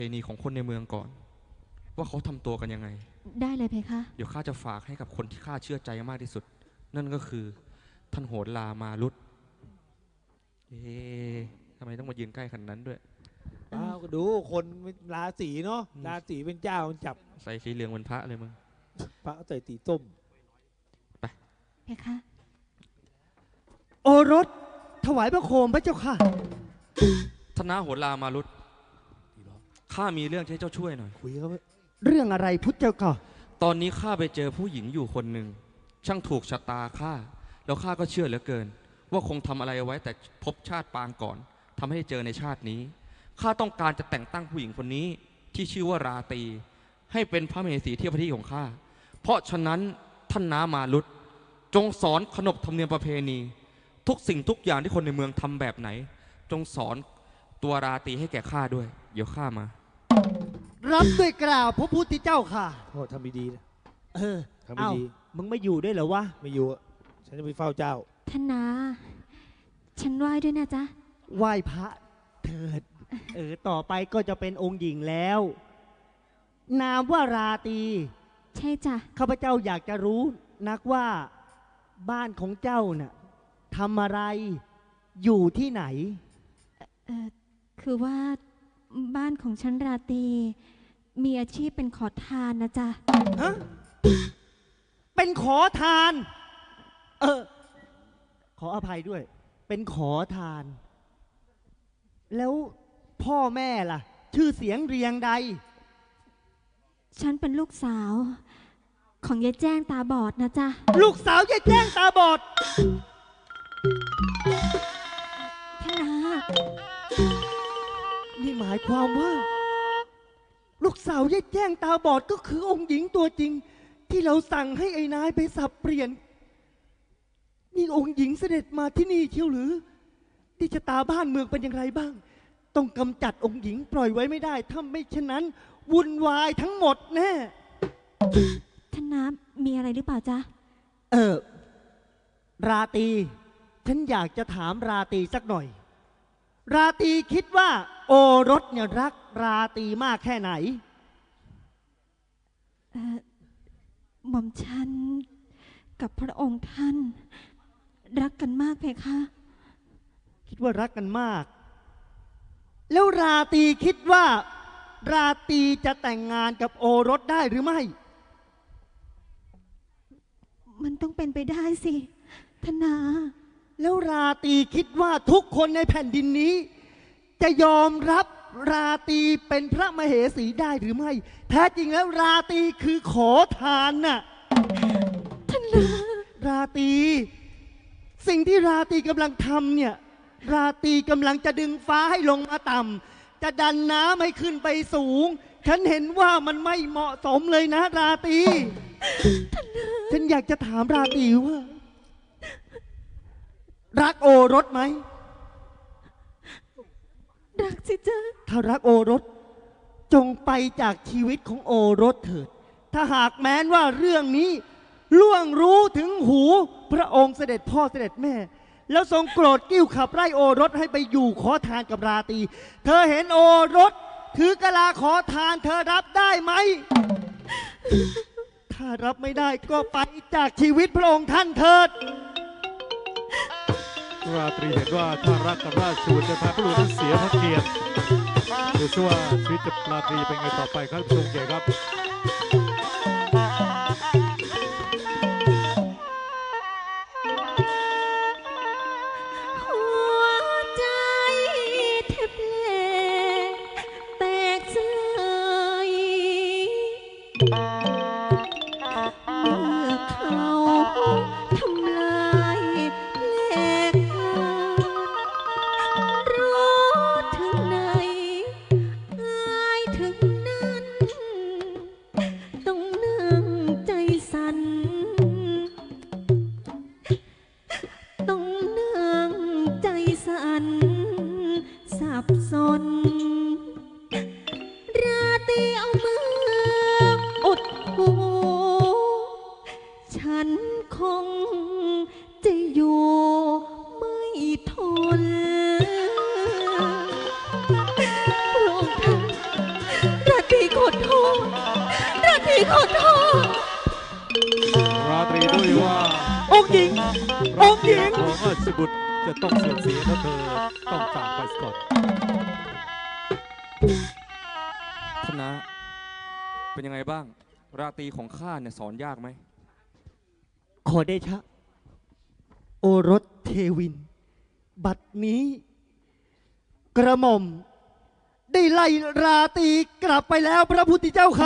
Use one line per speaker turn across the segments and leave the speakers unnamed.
ณีของคนในเมืองก่อนว่าเขาทำตัวกันยังไง
ได้เลยเพคะ
เดี๋ยวข้าจะฝากให้กับคนที่ข้าเชื่อใจมากที่สุดนั่นก็คือท่านโหรลามารุตทำไมต้องมายืนใกล้ขนาดนั้นด้วย
ก็ดูคนราศีเนาะราศีเป็นเจ้าจับ
ใส่สีเหลืองเป็นพระเลยมึง
พระใส่สีส้ม
ไป
เพคะ
โอรสถวายพระโคมพระเจ้าค่ะ
ธนาโหรลามารุตข้ามีเรื่องให้เจ้าช่วยหน่อย
คุยเขา
เรื่องอะไรพุทธเจ้าค่ะ
ตอนนี้ข้าไปเจอผู้หญิงอยู่คนหนึ่งช่างถูกชะตาข้าแล้วข้าก็เชื่อเหลือเกินว่าคงทำอะไรเอาไว้แต่พบชาติปางก่อนทำให้เจอในชาตินี้ข้าต้องการจะแต่งตั้งผู้หญิงคนนี้ที่ชื่อว่าราตรีให้เป็นพระมเหสีเทียบพระที่ของข้าเพราะฉะนั้นท่านน้ามารุตจงสอนขนบธรรมเนียมประเพณีทุกสิ่งทุกอย่างที่คนในเมืองทำแบบไหนจงสอนตัวราตรีให้แก่ข้าด้วยเดี๋ยวข้ามา
รับด้วยกล่าวพระพุทธเจ้าค่ะ
โอ้ทำดีๆนะทำดี
มึงไม่อยู่ได้เหรอวะ
ไม่อยู่ฉันจะไปเฝ้าเจ้า
ท่านนาฉันไหว้ด้วยนะจ๊ะ
ไหว้พระเถิดต่อไปก็จะเป็นองค์หญิงแล้วนามว่าราตรี
ใช่จ้ะ
ข้าพเจ้าอยากจะรู้นักว่าบ้านของเจ้าน่ะทำอะไรอยู่ที่ไหน
คือว่าบ้านของฉันราตรีมีอาชีพเป็นขอทานนะจ๊ะ
ฮะเป็นขอทานขออภัยด้วยเป็นขอทานแล้วพ่อแม่ล่ะชื่อเสียงเรียงใด
ฉันเป็นลูกสาวของยายแจ้งตาบอดนะจ๊ะ
ลูกสาวยายแจ้งตาบอด
ท่านนา
นี่หมายความว่าลูกสาวยายแจ้งตาบอดก็คือองค์หญิงตัวจริงที่เราสั่งให้ไอ้นายไปสับเปลี่ยนนี่องค์หญิงเสด็จมาที่นี่เที่ยวหรือที่ชะตาบ้านเมืองเป็นอย่างไรบ้างต้องกำจัดองค์หญิงปล่อยไว้ไม่ได้ถ้าไม่เช่นนั้นวุ่นวายทั้งหมดแน่
ท่านน้ำมีอะไรหรือเปล่าจ๊ะ
ราตรีฉันอยากจะถามราตรีสักหน่อยราตรีคิดว่าโอรสเนี่ยรักราตรีมากแค่ไหน
หม่อมฉันกับพระองค์ท่านรักกันมากเพคะ
คิดว่ารักกันมากแล้วราตรีคิดว่าราตรีจะแต่งงานกับโอรสได้หรือไม่
มันต้องเป็นไปได้สิธนา
แล้วราตรีคิดว่าทุกคนในแผ่นดินนี้จะยอมรับราตรีเป็นพระมเหสีได้หรือไม่แท้จริงแล้วราตรีคือขอทานน่ะ
ท่านนา
ราตรีสิ่งที่ราตรีกำลังทำเนี่ยราตรีกำลังจะดึงฟ้าให้ลงมาต่ำจะดันน้ำให้ขึ้นไปสูงฉันเห็นว่ามันไม่เหมาะสมเลยนะราตรีฉันอยากจะถามราตรีว่ารักโอรสไหม
รักสิจ๊ะ
ถ้ารักโอรสจงไปจากชีวิตของโอรสเถิดถ้าหากแม้นว่าเรื่องนี้ล่วงรู้ถึงหูพระองค์เสด็จพ่อเสด็จแม่แล้วทรงโกรธกิ้วขับไล่โอรสให้ไปอยู่ขอทานกับราตรีเธอเห็นโอรสถือกะลาขอทานเธอรับได้ไหมถ้ารับไม่ได้ก็ไปจากชีวิตพระองค์ท่านเถิด
ราตรีเห็นว่าถ้ารักกับราชบุตรจะทำให้ลูกนั้นเสียพระเกียรติดูซิว่าชีวิตจะราตรีเป็นไงต่อไปครับทรงเกียรติครับ
ราตรีขอโทษราตรีขอโทษ
ราตรีด้วยว่า
องค์หญิง องค์หญิง
ของราชบุตรจะต้องเสื่อมเสียเพราะเธอต้องจากไปก่อน
ท่านนะเป็นยังไงบ้าง ราตรีของข้าเนี่ยสอนยากไหม
ขอเดชะ โอรสเทวิน บัดนี้ กระหม่อม ได้ไล่ราตรีกลับไปแล้วพระพุทธเจ้าค่ะ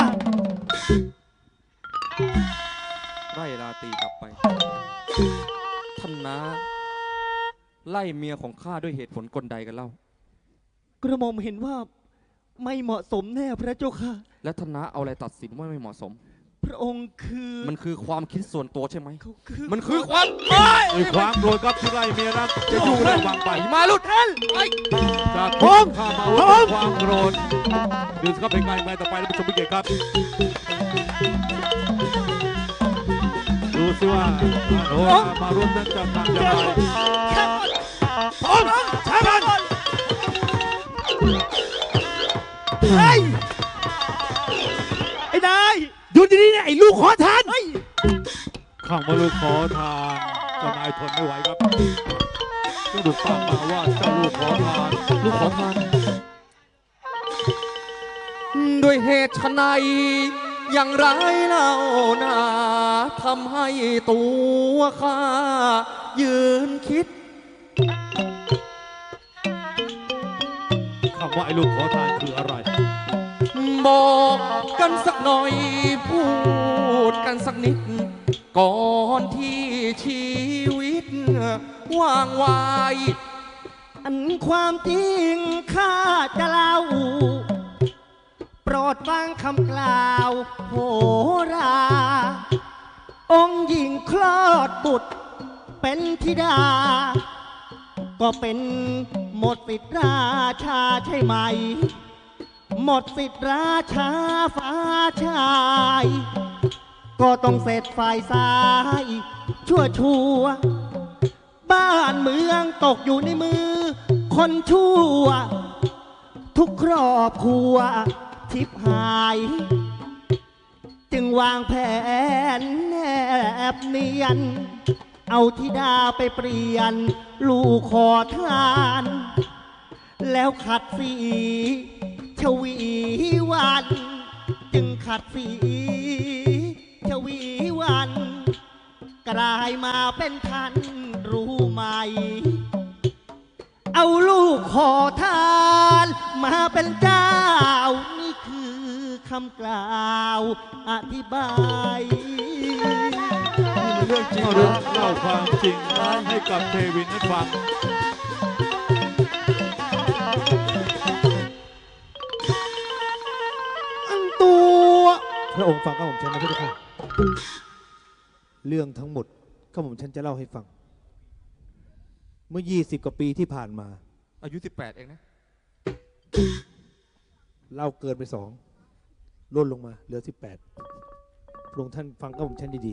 ไล่ราตรีกลับไป ท่านนะไล่เมียของข้าด้วยเหตุผลกลใดกันเล่า
กระหม่อมเห็นว่าไม่เหมาะสมแน่พระเจ้าค่ะ
และท่านนะเอาอะไรตัดสินว่าไม่เหมาะสม
พระองค์คือ
มันคือความคิดส่วนตัวใช่ไหม
เขาคือ
มันคือความ
ด้วยความโกรธครับที่ไล่เมียนั้นจะอยู่ระวังไป
มาลุด
ท่าน
จากทุกข้ามาว่าความโกรธดูสิครับเป็นไงไงต่อไปท่านผู้ชมผู้เกียรติครับ ดูสิว่าโอ้มารุ่นนั้นจะทำอย่างไรพร้อมใช้มัน
เฮ้ยไอ้นาย
หยุดดีๆเนี่ยไอ้ลูกขอทานข้างมาลูกขอทานเจ้านายทนไม่ไหวครับก็ดูตามมาว่าเจ้าลูกขอทาน
ลูกขอทาน ด้วยเหตุไฉนอย่างไรเล่านาทำให้ตัวข้ายืนคิด
คำว่าไอ้ลูกขอทานคืออะไร
บอกกันสักหน่อยพูดกันสักนิด ก่อนที่ชีวิตว่างไวาย
อันความจริงข้าจะเล่า โปรดฟังคำกล่าวโหรา องค์หญิงคลอดบุตรเป็นธิดา ก็เป็นหมดสิทธิราชาใช่ไหม หมดสิทธิราชาฟ้าชาย ก็ต้องเสร็จฝ่ายซ้ายชั่วบ้านเมืองตกอยู่ในมือ คนชั่ว ทุกครอบครัวทิพหาย จึงวางแผนแนบเนียน เอาธิดาไปเปลี่ยน ลูกขอทาน แล้วขัดสีชวีวัน จึงขัดสีชวีวัน กลายมาเป็นท่านรู้ไหม เอาลูกขอทานมาเป็นเจ้า นี่คือคำกล่าวอธิบาย
เรื่องจริง
เรื่องเล่าความจริงให้กับเทวินนั้นฟัง
อันตัว
พระองค์ฟังข้าผมฉันนะพระเจ้าค่ะเรื่องทั้งหมดข้าผมฉันจะเล่าให้ฟัง เมื่อ 20 กว่าปีที่ผ่านมา
อายุ 18 เองนะ
เล่าเกินไป2ลดลงมาเหลือ 18พระองค์ท่านฟังข้าผมฉันดี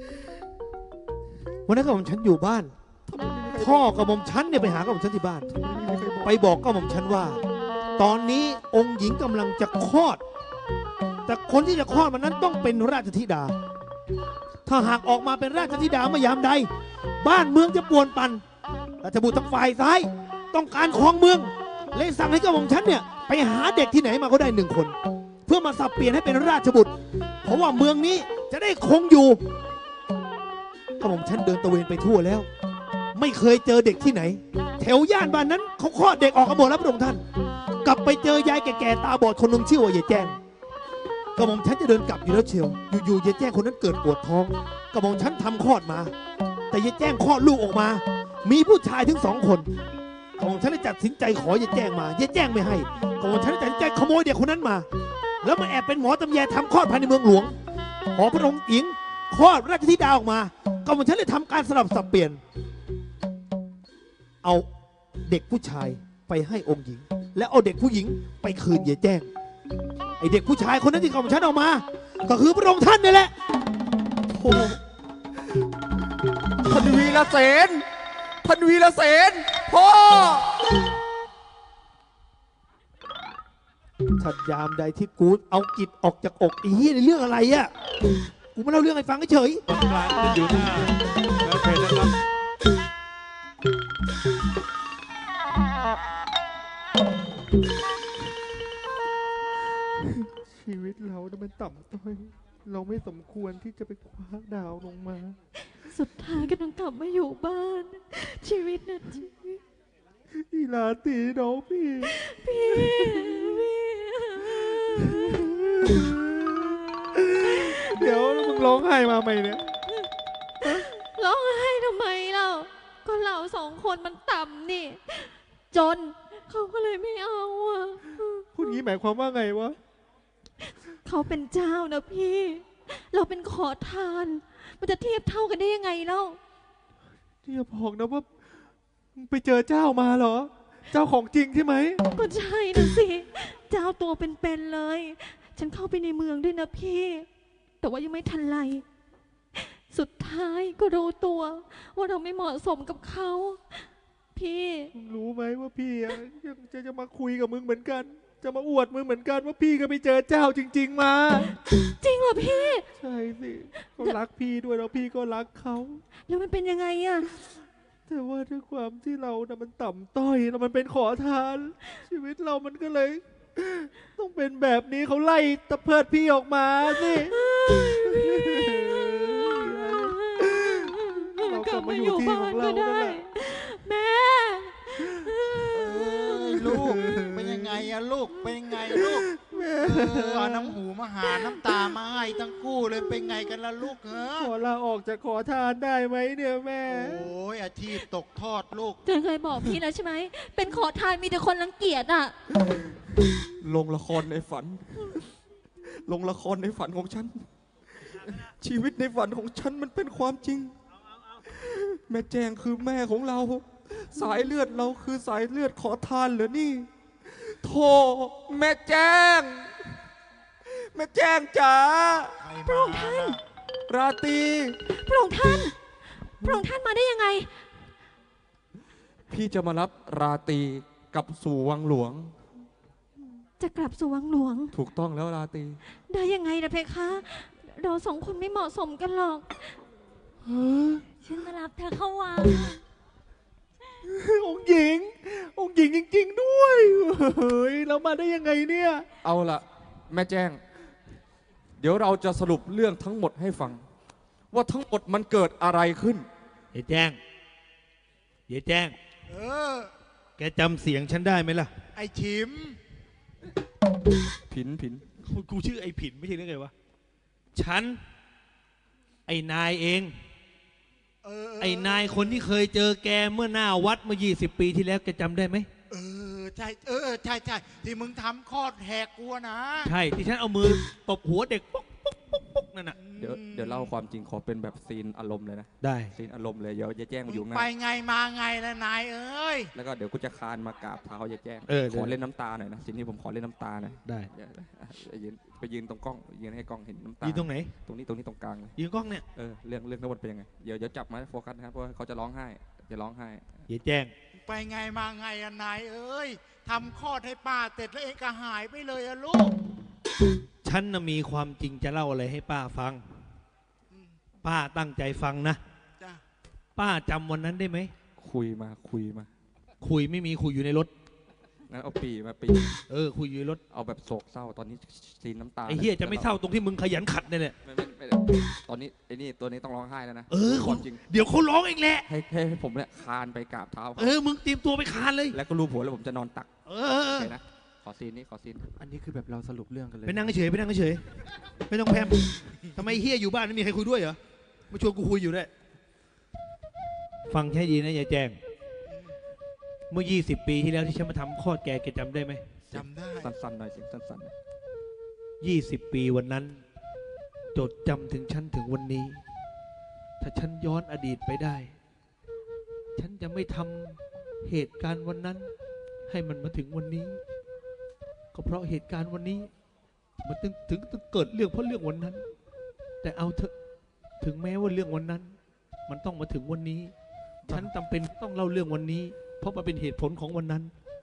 ๆวันนั้นข้าผมฉันอยู่บ้าน พ่อกับผมฉันเนี่ยไปหาข้าผมฉันที่บ้าน ไปบอกข้าผมฉันว่า ตอนนี้องค์หญิงกำลังจะคลอด แต่คนที่จะคลอดมันนั้นต้องเป็นราชธิดา ถ้าหากออกมาเป็นราชธิดาเมื่อยามใด บ้านเมืองจะป่วนปั่นราชบุตรทางฝ่ายซ้ายต้องการครองเมือง เลยสั่งให้กระหม่อมฉันเนี่ยไปหาเด็กที่ไหนมาก็ได้1 คน เพื่อมาสับเปลี่ยนให้เป็นราชบุตร เพราะว่าเมืองนี้จะได้คงอยู่กระหม่อมฉันเดินตระเวนไปทั่วแล้ว ไม่เคยเจอเด็กที่ไหน แถวย่านบ้านนั้นเขาคลอดเด็กออกกันหมดแล้วพระองค์ท่าน กลับไปเจอยายแก่ๆตาบอดคนหนึงชื่อว่ายายแจ้งกระหม่อมฉันจะเดินกลับอยู่แล้วเชียวอยู่ๆยายแจ้งคนนั้นเกิดปวดท้องกระหม่อมฉันทำคลอดมา แต่ยายแจ้งคลอดลูกออกมา มีผู้ชายถึง2 คนกระหม่อมฉันได้ตัดสินใจขอยายแจ้งมายายแจ้งไม่ให้กระหม่อมฉันได้ตัดสินใจขโมยเด็กคนนั้นมา แล้วมาแอบเป็นหมอตำแยทำคลอดภายในเมืองหลวงขอพระองค์หญิงคลอดราชธิดาออกมากระหม่อมฉันเลยทำการสลับสับเปลี่ยน เอาเด็กผู้ชายไปให้องค์หญิง และเอาเด็กผู้หญิงไปคืนยายแจ้งไอเด็กผู้ชายคนนั้นที่กระหม่อมฉันเอามา ก็คือพระองค์ท่านนี่แหละโอ้
ท่านวีรเสนท่านวีรเสนพ่อ
ถ้ายามใดที่กูเอาจิตออกจากอกไอ้เหี้ยในเรื่องอะไรอะกูมาเล่าเรื่องให้ฟังเฉย
บำราญจะอยู่หน้าแล้วเพลนะครับ
ชีวิตเราเนี่ยมันต่ำต้อย เราไม่สมควรที่จะไปคว้าดาวลงมา
สุดท้ายก็ต้องกลับมาอยู่บ้าน ชีวิตนะชีวิต
อีลาตีน้องพี่
พี่
เดี๋ยวมึงร้องไห้มาไหมเนี่ย
ร้องไห้ทำไมเล่าก็เราสองคนมันต่ำนี่ จนเขาก็เลยไม่เอาอ่ะ
พูดงี้หมายความว่าไงวะ
เขาเป็นเจ้านะพี่ เราเป็นขอทาน มันจะเทียบเท่ากันได้ยังไงเล่า
ที่จะบอกนะว่ามึงไปเจอเจ้ามาเหรอ เจ้าของจริงใช่ไหม
ก็ใช่นะสิ เจ้าตัวเป็นๆเลย ฉันเข้าไปในเมืองด้วยนะพี่ แต่ว่ายังไม่ทันไร สุดท้ายก็รู้ตัว ว่าเราไม่เหมาะสมกับเขา พี่
มึงรู้ไหมว่าพี่อะยังจะมาคุยกับมึงเหมือนกัน จะมาอวดมึงเหมือนกันว่าพี่ก็ไปเจอเจ้าจริง ๆ มา
จริงเหรอพี่
ใช่สิเขารักพี่ด้วยแล้วพี่ก็รักเขา
แล้วมันเป็นยังไงอะ
แต่ว่าด้วยความที่เรานะมันต่ำต้อยแล้วมันเป็นขอทาน ชีวิตเรามันก็เลย ต้องเป็นแบบนี้เขาไล่ตะเพิดพี่ออกมาสิเรากลับมาอยู่ที่ของเรานั่นแหละ
แม่
ลูกเป็นยังไงอะลูกเป็นยังไงลูกเอาน้ำหูมาหาน้ำตามาให้ทั้งคู่เลยเป็นไงกันล่ะลูกเหรอ
ขอลาออกจากขอทานได้ไหมเนี่ยแม่
โอ้ยอาชีพตกทอดลูก
เจนเคยบอกพี่แล้วใช่ไหม เป็นขอทานมีแต่คนรังเกียจอ่ะ
ลงละครในฝัน ลงละครในฝันของฉัน ชีวิตในฝันของฉันมันเป็นความจริง แม่แจงคือแม่ของเรา สายเลือดเราคือสายเลือดขอทานเหรอนี่โธ่แม่แจง แม่แจงจ๋า
ใคร
พระ
มา
องค์ท่าน
ล่ะ
ราตรี
พระองค์ท่าน พระองค์ท่านมาได้ยังไง
พี่จะมารับราตรีกลับสู่วังหลวง
จะกลับสู่วังหลวง
ถูกต้องแล้วราตรี
ได้ยังไงนะเพคะ เราสองคนไม่เหมาะสมกันหรอก ฉันมารับเธอเข้าวัง
องค์หญิง องค์หญิงจริง ๆ ด้วย เฮ้ย เรามาได้ยังไงเนี่ย
เอาละแม่แจ้ง เดี๋ยวเราจะสรุปเรื่องทั้งหมดให้ฟัง ว่าทั้งหมดมันเกิดอะไรขึ้น
ๆเยแจ้งเยแจ้ง
เออ
แกจำเสียงฉันได้ไหมล่ะ
ไอชิม
ผิน
กูชื่อไอ้ผินไม่ใช่เรื่องไงวะ ฉัน ไอ้นายเอง ไอ้นายคนที่เคยเจอแกเมื่อหน้าวัดเมื่อ20 ปีที่แล้วแกจำได้ไหม
ใช่ใช่ที่มึงทำคลอดแหกกูนะ
ใช่ที่ฉันเอามือตบหัวเด็กปุ๊กปุ๊กปุ๊กปุ๊กนั่นน่ะ
เดี๋ยวเล่าความจริงขอเป็นแบบซีนอารมณ์เลยนะ
ได้
ซีนอารมณ์เลยเดี๋ยวจะแจ้ง
มึ
มาอยู่
ง
ง่า
ไป
ย
ไงมาไงล่ะนายเอ้ย
แล้วก็เดี๋ยวกูจะคานมากราบเท้าจะแจ้ง
เดี๋
ข
ยว
อเล่นน้ำตาหน่อยนะซีนนี้ผมขอเล่นน้ำตาหน่อย
ได้
เดี๋ยวไปยืนตรงกล้องยืนให้กล้องเห็นน้ำตา
ยืนตรงไหน
ตรงนี้ตรงกลางเลย
ยืนกล้องเนี่ย
เรื่องทั้งหมดเป็นยังไงเดี๋ยวจับมาโฟกัสนะครับเพราะว่าเขาจะร้องไห้จะร้องไห้
เยแจ้ง
ไปไงมาไงอะนายเอ้ยทำคลอดให้ป้าเสร็จแล้วเองก็หายไปเลยอะลูก
ฉันน่ะมีความจริงจะเล่าอะไรให้ป้าฟัง ป้าตั้งใจฟังนะ
จ้ะ
ป้าจำวันนั้นได้ไหม
คุยมา
คุยไม่มีคุยอยู่ในรถ
งั้นเอาปีมาปี
คุยอยู่ในรถ
เอาแบบโศกเศร้าตอนนี้ซีนน้ำตา
ไอ้เฮียจะไม่เศร้าตรงที่มึงขยันขัดเนี่ยแหละ
ไม่ตอนนี้ไอ้นี่ตัวนี้ต้องร้องไห้แล้วนะ
ความ
จริง
เดี๋ยวเขาร้องเองแหละ
ให้ผมเนี่ยคานไปกราบเท้าเขา
มึงเตรียมตัวไปคานเลย
แล้วก็รูปหัวแล้วผมจะนอนตัก
โอ
โอ
เค
เคนะขอซีนนี้ขอซีน
อันนี้คือแบบเราสรุปเรื่องกันเลย
ไปนั่งเฉยไปนั่งเฉยไม่ต้องแพมทำไมเฮียอยู่บ้านไม่มีใครคุยด้วยเหรอมาชวนกูคุยอยู่ด้วยฟังให้ดีนะยายแจ้ง เมื่อ 20 ปีที่แล้วที่ฉันมาทำคลอดแกจำได้ไหม
จำได้
สั้นๆหน่อยเสียงสั้นๆนะ
20 ปีวันนั้น จดจำถึงฉันถึงวันนี้ ถ้าฉันย้อนอดีตไปได้ ฉันจะไม่ทำเหตุการณ์วันนั้น ให้มันมาถึงวันนี้ ก็เพราะเหตุการณ์วันนี้ มันถึงเกิดเรื่องเพราะเรื่องวันนั้น แต่เอาเถอะถึงแม้ว่าเรื่องวันนั้น มันต้องมาถึงวันนี้ ฉันจำเป็นต้องเล่าเรื่องวันนี้ เพราะมันเป็นเหตุผลของวันนั้น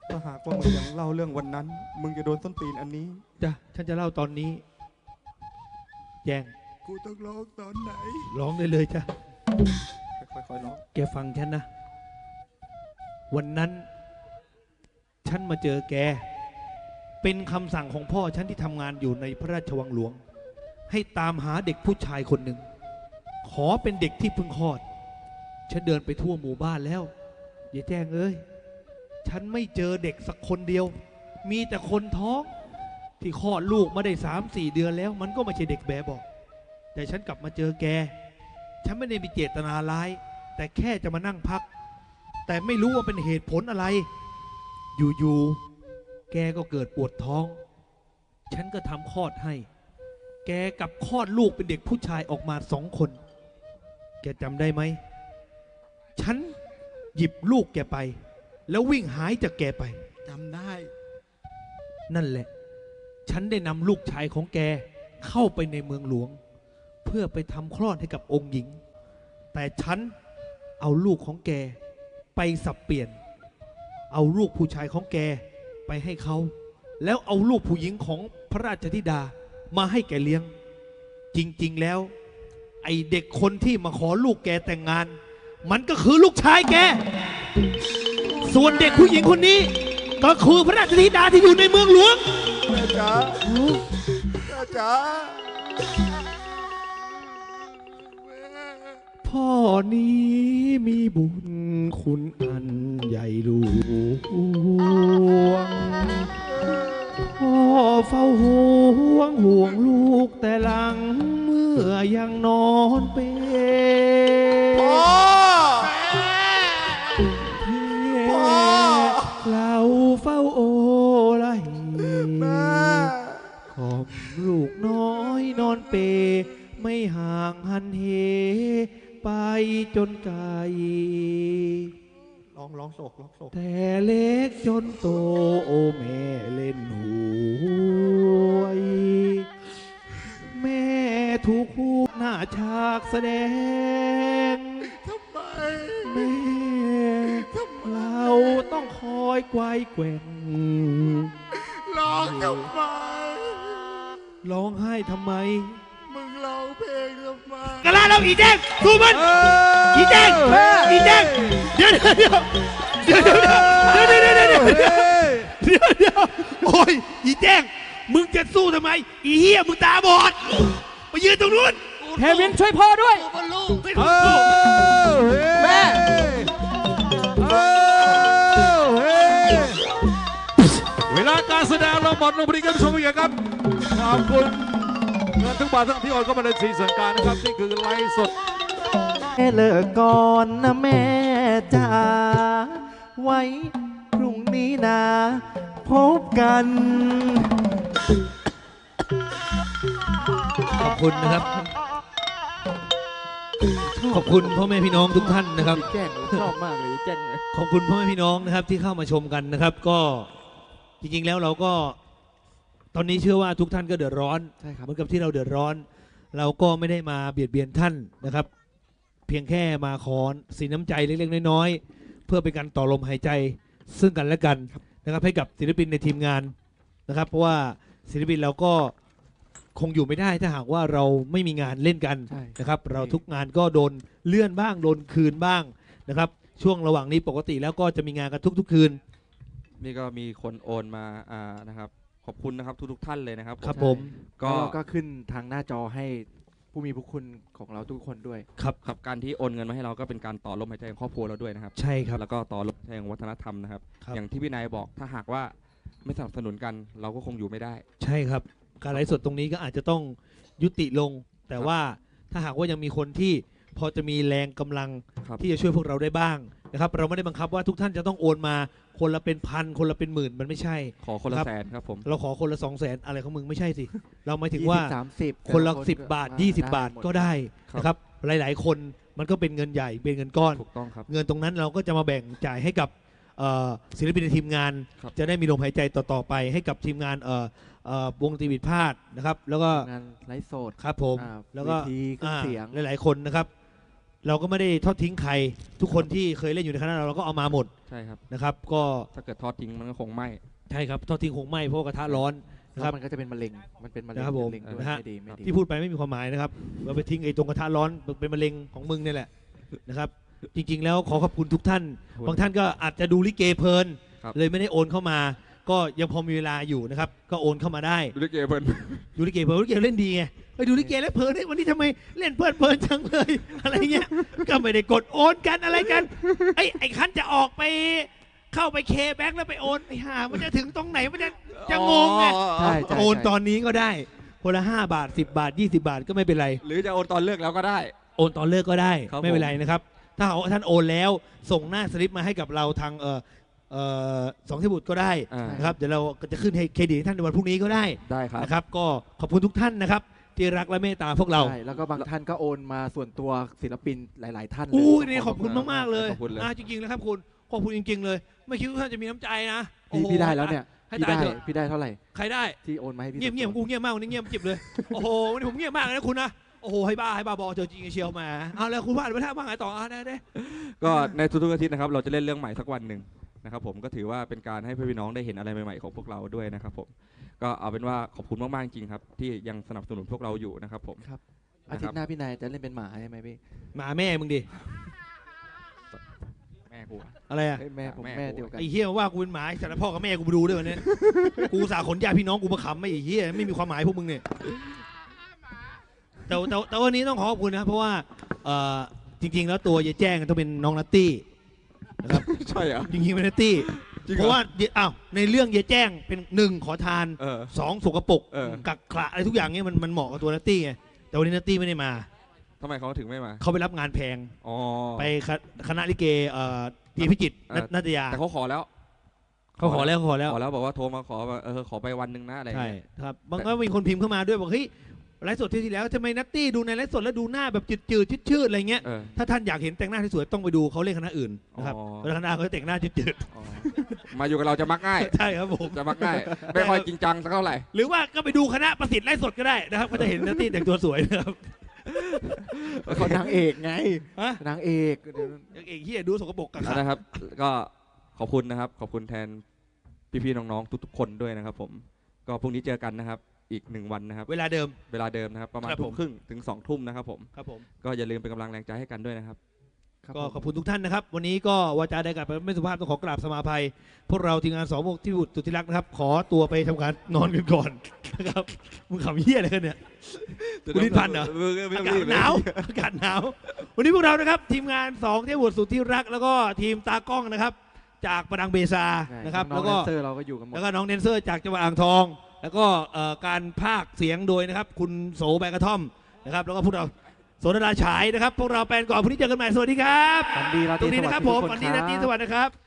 ถ้าหากว่ามึงยังเล่าเรื่องวันนั้น มึงจะโดนส้นตีนอันนี้
จ้ะฉันจะเล่าตอนนี้ แจ้ง
กูต้องร้องตอนไหน
ร้องได้เลยจ้ะ
ค่อยๆร้อง
แกฟังฉันนะ วันนั้น ฉันมาเจอแก เป็นคำสั่งของพ่อฉันที่ทำงานอยู่ในพระราชวังหลวง ให้ตามหาเด็กผู้ชายคนหนึ่ง ขอเป็นเด็กที่เพิ่งคลอด ฉันเดินไปทั่วหมู่บ้านแล้วอย่าแจ้งเอ้ย ฉันไม่เจอเด็กสักคนเดียว มีแต่คนท้องที่คลอดลูกมาได้3-4 เดือนแล้ว มันก็ไม่ใช่เด็กแบเบอก แต่ฉันกลับมาเจอแก ฉันไม่ได้มีเจตนาร้าย แต่แค่จะมานั่งพัก แต่ไม่รู้ว่าเป็นเหตุผลอะไร อยู่ๆ แกก็เกิดปวดท้อง ฉันก็ทำคลอดให้ แกกับคลอดลูกเป็นเด็กผู้ชายออกมา2 คน แกจำได้ไหม ฉันหยิบลูกแกไป แล้ววิ่งหายจากแกไป
จำได้
นั่นแหละ ฉันได้นำลูกชายของแกเข้าไปในเมืองหลวง เพื่อไปทำคลอดให้กับองค์หญิง แต่ฉันเอาลูกของแกไปสับเปลี่ยน เอาลูกผู้ชายของแกไปให้เขา แล้วเอาลูกผู้หญิงของพระราชธิดามาให้แกเลี้ยง จริงๆแล้ว ไอเด็กคนที่มาขอลูกแกแต่งงาน มันก็คือลูกชายแก ส่วนเด็กผู้หญิงคนนี้ ก็คือพระราชธิดาที่อยู่ในเมืองหลวง
แม่จ๋าแม่จ๋า
พ่อนี้มีบุญคุณอันใหญ่หลวง พ่อเฝ้าห่วงลูกแต่หลังเมื่อยังนอนเป็น
พ่อ พ่อ
เราเฝ้าโอไล
แม่
ขอบลูกน้อยนอนเป ไม่ห่างหันเหไปจนไกล
ร้องโศก
แต่เล็กจนโตโอแม่เล่นหวย แม่ถูกคู่หน้าฉากแสดง
ทำไม
แม่เราต้องคอยไกวแกว่ง
ร้องทำไม
ร้องไห้ทำไม
มึงร้องเพลงทำไม
กระลาเราอีแจ้งสู้มันอีแจ้งอีแจ้งเดี๋ยวโอ้ยอีแจ้งมึงจะสู้ทำไมอีเหี้ยมึงตาบอดมายืนตรงนู้น
เทวินช่วยพ่อด้วย
แม่ เวลาการแสดงเราหมดลงพอดีกันชมอีกครับขอบคุณเงินทุกบาททั้งที่โอนเข้ามาในสีสันการนะครับนี่คือไลฟ์สด
เลิกก่อนนะแม่จ๋าไว้พรุ่งนี้นะพบกัน
ขอบคุณนะครับ ขอบคุณพ่อแม่พี่น้องทุกท่านนะครับ
แจ้งชอบมากเลยแจ้งเลย
ขอบคุณพ่อแม่พี่น้องนะครับที่เข้ามาชมกันนะครับ ก็จริงๆแล้วเราก็ตอนนี้เชื่อว่าทุกท่านก็เดือดร้อน
ใช่ครับ
เหมือนกับที่เราเดือดร้อน เราก็ไม่ได้มาเบียดเบียนท่านนะครับ เพียงแค่มาขอสินน้ำใจเล็กๆน้อยๆเพื่อเป็นการต่อลมหายใจซึ่งกันและกันนะครับให้กับศิลปินในทีมงานนะครับ เพราะว่าศิลปินเราก็คงอยู่ไม่ได้ถ้าหากว่าเราไม่มีงานเล่นกัน
ใช่
นะครับ เราทุกงานก็โดนเลื่อนบ้างโดนคืนบ้างนะครับ ช่วงระหว่างนี้ปกติแล้วก็จะมีงานกันทุกๆคืน
นี่ก็มีคนโอนมานะครับ ขอบคุณนะครับทุกท่านเลยนะครับ
ครับผม
ก็
แล้วเราก็ขึ้นทางหน้าจอให้ผู้มีพระคุณของเราทุกคนด้วย
ครับ
ครับการที่โอนเงินมาให้เราก็เป็นการต่อลมหายใจของครอบครัวเราด้วยนะครับ
ใช่ครับ
แล้วก็ต่อลมหายใจของวัฒนธรรมนะครับ
ครับ
อย่างที่พี่นายบอกถ้าหากว่าไม่สนับสนุนกัน เราก็คงอยู่ไม่ได้
ใช่ครับ การไลฟ์สดตรงนี้ก็อาจจะต้องยุติลง แต่ว่าถ้าหากว่ายังมีคนที่พอจะมีแรงกำลัง
ครับ
ที่จะช่วยพวกเราได้บ้างนะครับ เราไม่ได้บังคับว่าทุกท่านจะต้องโอนมาคนละเป็นพันคนละเป็นหมื่นมันไม่ใช่
ขอคนละ
ครับ
แสนครับผม
เราขอคนละ200,000อะไรของมึงไม่ใช่สิ เราหมายถึงว่า
20-30
คนละ
แต่
10 บาท
ได้
20 บาท
หมด
ก็ได้นะครับ หลายๆ คนมันก็เป็นเงินใหญ่เป็นเงินก้อน
ถูกต้องครับ
เงินตรงนั้นเราก็จะมาแบ่งจ่ายให้กับศิลปินในทีมงาน
ครับ
จะได้มีลมหายใจต่อๆไปให้กับทีมงานวงตีวิดพาดนะครับ แล้วก็
งานไลฟ์สด
ครับผม
อ่า
แล้วก็
เวทีเครื่องเสียง
หลายๆคนนะครับเราก็ไม่ได้ทอดทิ้งใครทุกคนที่เคยเล่นอยู่ในคณะเราก็เอามาหมด
ใช่ครับ
นะครับก็
ถ้าเกิดทอดทิ้งมันก็คงไหม้
ใช่ครับทอดทิ้งคงไหม้เพราะว่ากระทะร้อนนะ
แล้
ครับ
วมันก็จะเป็นมะเร็งมันเป็นมะเร็ง
นะครับผม
เป็นมะเร็งด้วย
นะฮะ
ไม่ดีไม่ดี
ที่พูดไปไม่มีความหมายนะครับเราไปทิ้งไอ้ตรงกระทะร้อนเป็นมะเร็งของมึงนี่แหละนะครับจริงๆแล้วขอขอบคุณทุกท่าน บางท่านก็อาจจะดูลิเกเพลิน
ครับ
เลยไม่ได้โอนเข้ามา ก็ยังพอมีเวลาอยู่นะครับก็โอนเข้ามาได้
ดูลิเกเพลิน
ดูลิเกเพลินลิเกเล่นดีไงไปดูลิเกแล้วเพลินเฮ้ยวันนี้ทำไมเล่นเพลินจังเลย อะไรเงี้ยก็ไม่ได้กดโอนกันอะไรกันไอ้คันจะออกไปเข้าไปเคแบ็กแล้วไปโอนไอ้ห่ามันจะถึงตรงไหนมันจะงงไง
ใช่ใช่
โอน
ใช่
ตอนนี้ก็ได้คนละ5 บาท 10 บาท 20 บาทก็ไม่เป็นไร
หรือจะโอนตอนเลิกแล้วก็ได้
โอนตอนเลิกก็ได้
ครับ
ไม่เป็นไรนะครับ ถ้าหากว่าท่านโอนแล้วส่งหน้าสลิปมาให้กับเราทางสองเทพบุตรก็ได้
อ่า
นะครับเดี๋ยวเราก็จะขึ้นให้เครดิตให้ท่านในวันพรุ่งนี้ก็ได้
ได้ครับ
นะครับก็ขอบคุณทุกท่านนะครับที่รักและเมตตาพวกเรา
ใช่แล้วก็บางท่านก็โอนมาส่วนตัวศิลปินหลาย ๆ ท่านเลย
อู้ยนี่ขอบคุณมากๆเลย
ขอบคุณเลย
จริงๆแล้วครับคุณขอบคุณจริงๆเลย ไม่คิดว่าท่านจะมีน้ำใจนะโอ้
พี่
โห
พี่ได้แล้วเนี่ย
ให้
พี่
ตาย
ได้
เถอะ
พี่ได้เท่าไหร่
ใครได้
ที่โอนมาให้พี่
เงียบๆกูเงียบมากวันนี้เงียบจิบเลยโอ้โหวันนี้ผมเงียบมากเลยนะคุณนะโอ้โหให้บ้าบอเจอจริงเชียวมาเอาแล้วคุณว่าไปท่าบ้างไงต่อได้
ก็ในทุกๆอาทิตย์นะครับเราจะเล่นเรื่องใหม่สักวันหนึ่งนะครับผมก็ถือว่าเป็นการให้พี่น้องได้เห็นอะไรใหม่ๆของพวกเราด้วยนะครับผมก็เอาเป็นว่าขอบคุณมากๆจริงครับที่ยังสนับสนุนพวกเราอยู่นะครับผม
อาทิตย์หน้าพี่นายจะเล่นเป็นหมาใช่ไหมพี่
หมาแม่มึงดิ
แม่กูอะ
อะไรอะ
เอ้ยแม่ผม
แม่
แม่เดียวกัน
ไอ้เฮียว่ากูเป็นหมาแต่ละพ่อกับแม่กูไปดูด้วยวันนี้ กูอุตสาห์ขนญาติพี่น้องกูมาขำไม่ไอ้เฮียไม่มีความหมายพวกมึงเนี่ยแต่วันนี้ต้องขอขอบคุณนะครับเพราะว่าจริงๆแล้วตัวยายแจ้งต้องเป็นน้องนัตตี้นะครับ
ใช่เหรอ
จริงๆเป็นนัตตี้
จริงเหรอ
เพราะว่าในเรื่องยายแจ้งเป็น1ขอทาน
เออ
2สกปรก
เออ
กักขระอะไรทุกอย่างเนี่ยมันเหมาะกับตัวนัตตี้ไงแต่วันนี้นัตตี้ไม่ได้มา
ทำไมเขาถึงไม่มา
เขาไปรับงานแพง
อ๋อ
ไปคณะลิเกตีพิจิตร
เออ
นัตยา
แต่เขาขอแล้ว
เขาขอแล้ว
ขอแล้วบอกว่าโทรมาขอว่าขอไปวันหนึ่งนะอะไรอย่าง
ใช่
เงี้ย
ครับบางก็มีคนพิมพ์เข้ามาด้วยบอกเฮ้ยไลฟ์สดที่แล้วทำไมนัตตี้ดูในไลฟ์สดแล้วดูหน้าแบบจืดชืดๆอะไรเงี้ย
เออ
ถ้าท่านอยากเห็นแต่งหน้าที่สวยต้องไปดูเขาเล่นคณะอื่นนะครับ
อ๋อ
เพราะคณะเขาแต่งหน้าจืด
อ๋อมาอยู่กับเราจะมักง่าย
ๆใช่ครับผม
จะมักง่าย ไม่ค่อยจริงจังสักเท่าไหร่
หรือว่าก็ไปดูคณะประสิทธิ์ไลฟ์สดก็ได้นะครับก็จะเห็นนัตตี้แต่งตัวสวยนะครับ
เขานางเอกไง
ฮะ
นางเอกเดี๋ยว
อย่างเอกเฮียดูสกปรกกักขระ
นะครับ ก็ขอบคุณนะครับ ขอบคุณแทนพี่ๆน้องๆทุกๆคนด้วยนะครับผมก็พรุ่งนี้เจอกันนะครับอีก1วันนะครับ
เวลาเดิม
เวลาเดิมนะครับประมาณ
ครับ
ทุ่
ผม ม
ครึ่งถึง2 ทุ่มนะครับผม
ครับผม
ก็อย่าลืมเป็นกำลังแรงใจให้กันด้วยนะครับ
ครับ
ก็
ผม
ขอบคุณทุกท่านนะครับ วันนี้ก็วาจาใดกับไม่สุภาพต้องขอกราบสมาภัย พวกเราทีมงานสองพวกที่สุดที่รักนะครับ ขอตัวไปทำการนอนกันก่อนนะครับมึงขำเหี้ยอะไรกันเนี่ย คุณลิ้นพันเหรอ อากาศหนาวอากาศหนาว วันนี้พวกเรานะครับ ทีมงาน2เทพบุตรสุดที่รัก แล้วก็ทีมตากล้องนะครับ จากประดังเบซานะครับ
น้
แล้
อง
ว
ๆ
ก็
แดนเซอร์เราก็อยู่กันหมด
แล้วก็น้องแดนเซอร์จากจังหวัดอ่างทอง แล้วก็การพากย์เสียงโดยนะครับ คุณโสแบกระท่อมนะครับ แล้วก็พวกเราโสดาราฉายนะครับ พวกเราแปลนก่อนพรุ่งนี้เจอกันใหม่สวัสดีครับ
ฝันดีราต
ตร
รี
งนี้
สวัส
นะครับ
ดิ์
ผม
ทุก
วัน
ค
นี้
รั
นาที
บ
สวัสดีนะครับ